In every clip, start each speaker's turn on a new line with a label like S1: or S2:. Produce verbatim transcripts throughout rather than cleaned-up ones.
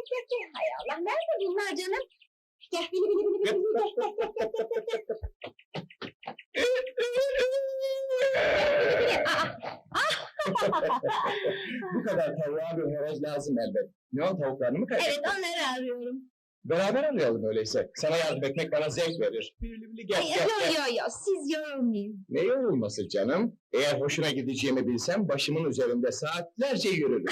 S1: gel gel. Hay Allah, nerede bunlar canım? Gel, bili bili bili bili, gel gel gel gel gel gel gel. Aa,
S2: Bu kadar tavuğa bir horoz lazım elbet. Ne o, tavuklarını mı kaybettin?
S1: evet, onları arıyorum.
S2: Beraber arayalım öyleyse. Sana yardım etmek bana zevk verir. Bili bili gel
S1: Ay,
S2: gel
S1: yo
S2: gel.
S1: yo yo, siz yorulmayın.
S2: Ne yorulması canım? Eğer hoşuna gideceğimi bilsem başımın üzerinde saatlerce yürürüm.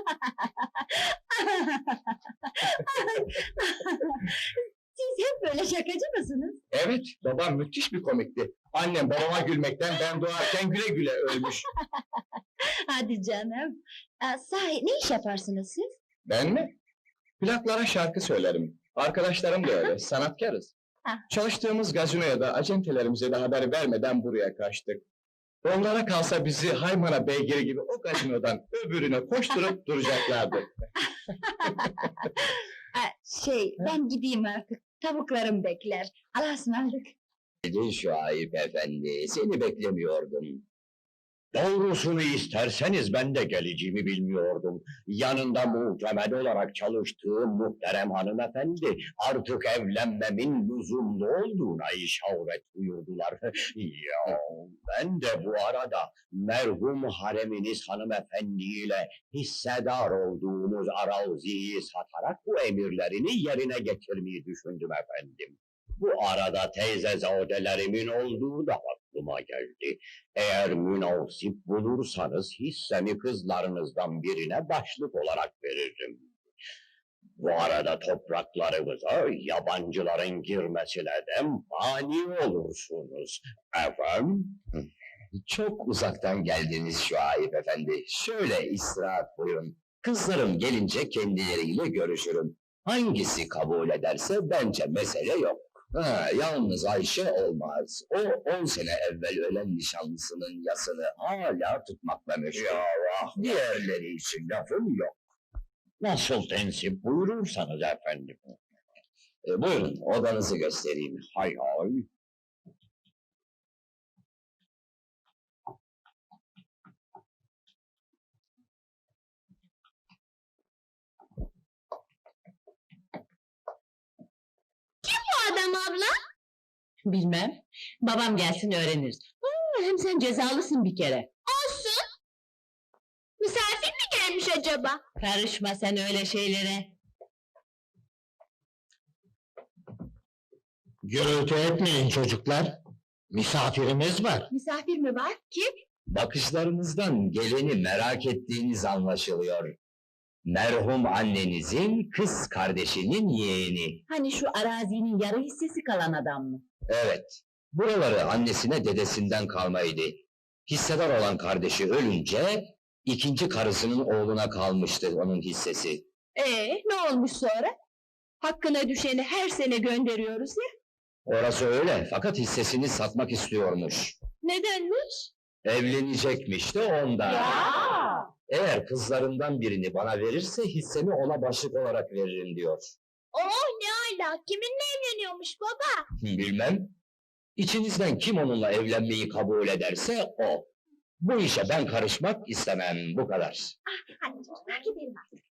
S1: Siz hep böyle şakacı mısınız?
S2: Evet, babam müthiş bir komikti. Annem babama gülmekten ben doğarken güle güle ölmüş.
S1: Hadi canım. Aa, sahi, ne iş yaparsınız siz?
S2: Ben mi? Plaklara şarkı söylerim. Arkadaşlarım da öyle, sanatkarız.
S1: Ah.
S2: Çalıştığımız gazinoya da acentelerimize de haber vermeden buraya kaçtık. Onlara kalsa bizi Haymana beygiri gibi o gazinodan öbürüne koşturup duracaklardı.
S1: Aa, şey, ben gideyim artık. Tavuklarım bekler. Allah'a ısmarladık.
S3: Edin Şahip efendi, seni beklemiyordum. Doğrusunu isterseniz ben de geleceğimi bilmiyordum. Yanında muhtemel olarak çalıştığım muhterem hanımefendi artık evlenmemin lüzumlu olduğuna işaret buyurdular. Ya ben de bu arada merhum hareminiz hanımefendiyle hissedar olduğumuz araziyi satarak bu emirlerini yerine getirmeyi düşündüm efendim. Bu arada teyzezadelerimin olduğu da aklıma geldi. Eğer münasip bulursanız hissemi kızlarınızdan birine başlık olarak veririm. Bu arada topraklarımıza yabancıların girmesine de mani olursunuz. Efendim?
S2: Çok uzaktan geldiniz Şuayb efendi. Şöyle istirahat buyurun. Kızlarım gelince kendileriyle görüşürüm. Hangisi kabul ederse bence mesele yok. Ha, yalnız Ayşe olmaz. O on sene evvel ölen nişanlısının yasını hala tutmakla meşgul.
S3: Ya ah,
S2: Diğerleri için lafım yok.
S3: nasıl tensip buyurursanız efendim.
S2: E, buyurun odanızı göstereyim.
S3: Hay hay.
S1: Bu adam abla?
S4: Bilmem. Babam gelsin öğreniriz. Aa, hem sen cezalısın bir kere.
S1: Olsun. Misafir mi gelmiş acaba?
S4: Karışma sen öyle şeylere.
S3: Gürültü etmeyin çocuklar. Misafirimiz var.
S1: Misafir mi var? Kim?
S2: Bakışlarınızdan geleni merak ettiğiniz anlaşılıyor. Merhum annenizin kız kardeşinin yeğeni.
S4: Hani şu arazinin yarı hissesi kalan adam mı?
S2: Evet, buraları annesine dedesinden kalmaydı. Hissedar olan kardeşi ölünce, ikinci karısının oğluna kalmıştı onun hissesi.
S4: Ee, ne olmuş sonra? Hakkına düşeni her sene gönderiyoruz ya.
S2: Orası öyle, fakat hissesini satmak istiyormuş.
S4: Nedenmiş?
S2: Evlenecekmiş de ondan.
S4: Ya!
S2: Eğer kızlarından birini bana verirse hissemi ona başlık olarak veririm diyor.
S1: Oh ne ala, kiminle evleniyormuş baba?
S2: Bilmem. İçinizden kim onunla evlenmeyi kabul ederse o. Bu işe ben karışmak istemem, bu kadar.
S1: Hadi çocuklar gidelim artık.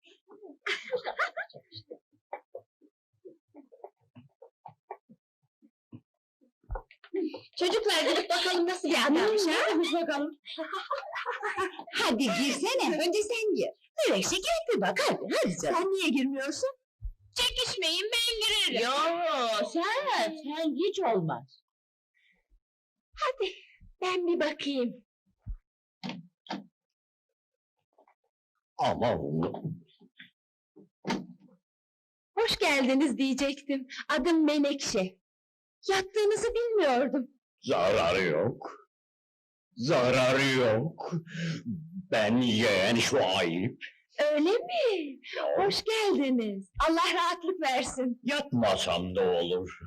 S1: Çocuklar gidip bakalım nasıl bir adammış ha?
S4: bakalım.
S1: Hadi girsene, önce sen gir.
S4: Melekşe gel bir bak hadi, hadi canım.
S1: Sen niye girmiyorsun? Çekişmeyin, ben girerim.
S4: Yo, sen, sen hiç olmaz.
S1: Hadi, ben bir bakayım.
S3: Ama
S1: Hoş geldiniz diyecektim. Adım Menekşe. Yattığınızı bilmiyordum.
S3: zararı yok. Zararı yok. Ben yeğen şu ayıp.
S1: Öyle mi? Hoş geldiniz. Allah rahatlık versin.
S3: Yatmasam da olur.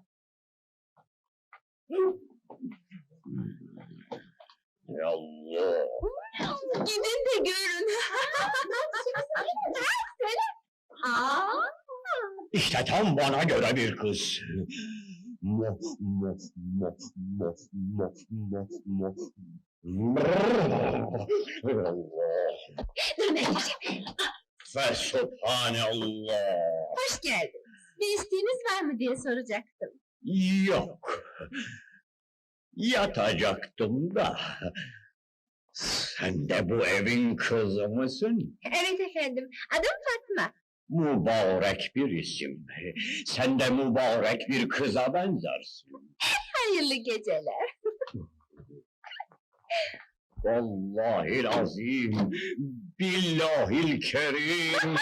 S3: Ya Allah.
S1: Gidin de görün. Aa,
S3: İşte tam bana göre bir kız. Mo, mo, mo, mo, mo, mo, mo. Allah.
S1: dur Menekşe.
S3: ve subhanallah.
S1: Hoş geldin. Bir isteğiniz var mı diye soracaktım.
S3: Yok. Yatacaktım da. Sen de bu evin kızı mısın?
S1: Evet efendim, adım Fatma.
S3: Mübarek bir isim. Sen de mübarek bir kıza benzersin.
S1: Hayırlı geceler.
S3: Vallahi azim, billahil kerim.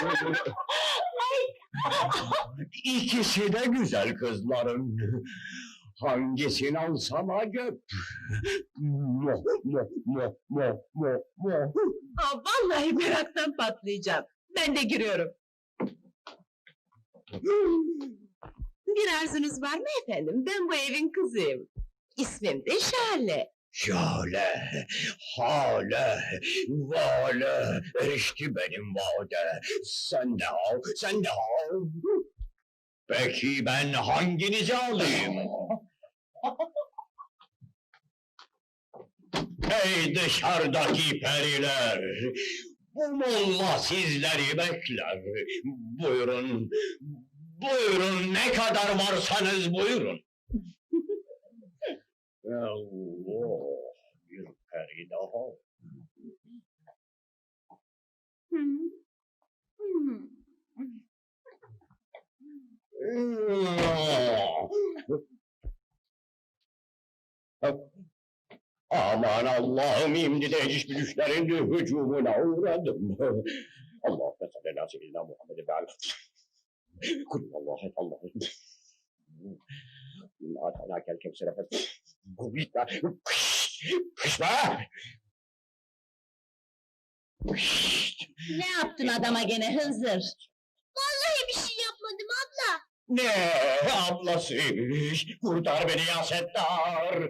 S3: İkisi de güzel kızların. Hangisini alsam acep? Mo, mo, mo, mo, mo, mo.
S4: Aa, vallahi meraktan patlayacağım. Ben de giriyorum. Bir arzunuz var mı efendim? Ben bu evin kızıyım. İsmim de Şale.
S3: Şöyle, hale, vale, erişti benim vade. Sen de al, sen de al. Peki ben hanginizi alayım? Ey dışarıdaki periler! Bu molla sizleri bekler. Buyurun, buyurun ne kadar varsanız buyurun. Allah, bir peri daha.
S1: Hmm. Hmm.
S3: Aman Allah'ım imdi de hiçbir düşlerin hücumuna uğradım. Allah mesela la seyyidina Muhammed ve ala. Kullallahu Allah'ım. İnna atanakel kevsere fes. Gubita. Kışma!
S4: Ne yaptın adama gene Hızır?
S1: Vallahi bir şey yapmadım abla.
S3: Ne ablasıymış? Kurtar beni ya Settar!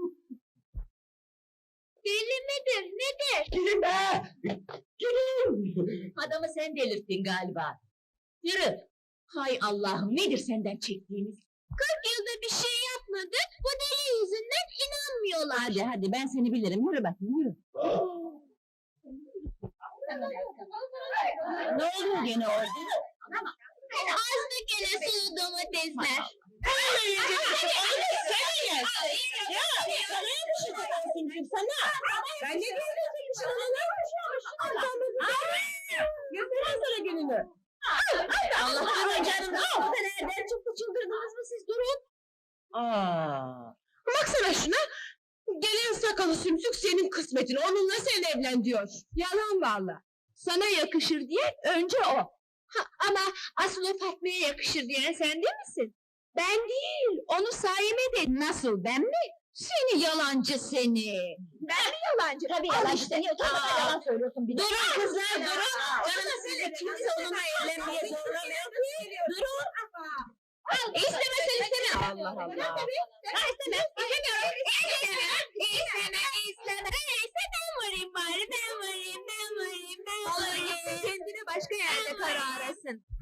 S1: Deli midir, nedir?
S3: Gidin be! Gidin!
S4: Adamı sen delirttin galiba. Yürü. Hay Allah'ım nedir senden çektiğimiz?
S1: Kırk yılda bir şey yapmadı, bu deli yüzünden inanmıyorlar.
S4: Hadi hadi ben seni bilirim. Yürü bakayım yürü. Ne oluyor gene orada?
S1: Azdı gene sulu domatesler.
S4: Ben ne Göstereyim sana gününü. Allah durun canım. Bu da nereden çıktı çıldırdınız mı siz durun. Aa. Baksana şuna. Gelen sakalı sümsük senin kısmetin. Onunla sen evlen diyor. Yalan valla. Sana yakışır diye önce o.
S1: Ha, ama asıl o Fatma'ya yakışır diyen sen değil misin? Ben değil, onu Saime dedi. Nasıl, ben mi? Seni yalancı seni! Ben mi yalancı? Tabii yalancı işte. Niye utanmadan yalan söylüyorsun bir de? Durun kızlar, durun! Canım size kimse onunla evlenmeye zorlamıyor. Durun! İstemezsen isteme! Allah Allah! Ha isteme! İstemiyorum! İstemem! İstemem! İstemem! Neyse ben varayım bari, ben varayım, ben varayım, ben varayım! Kendine başka yerde karar arasın.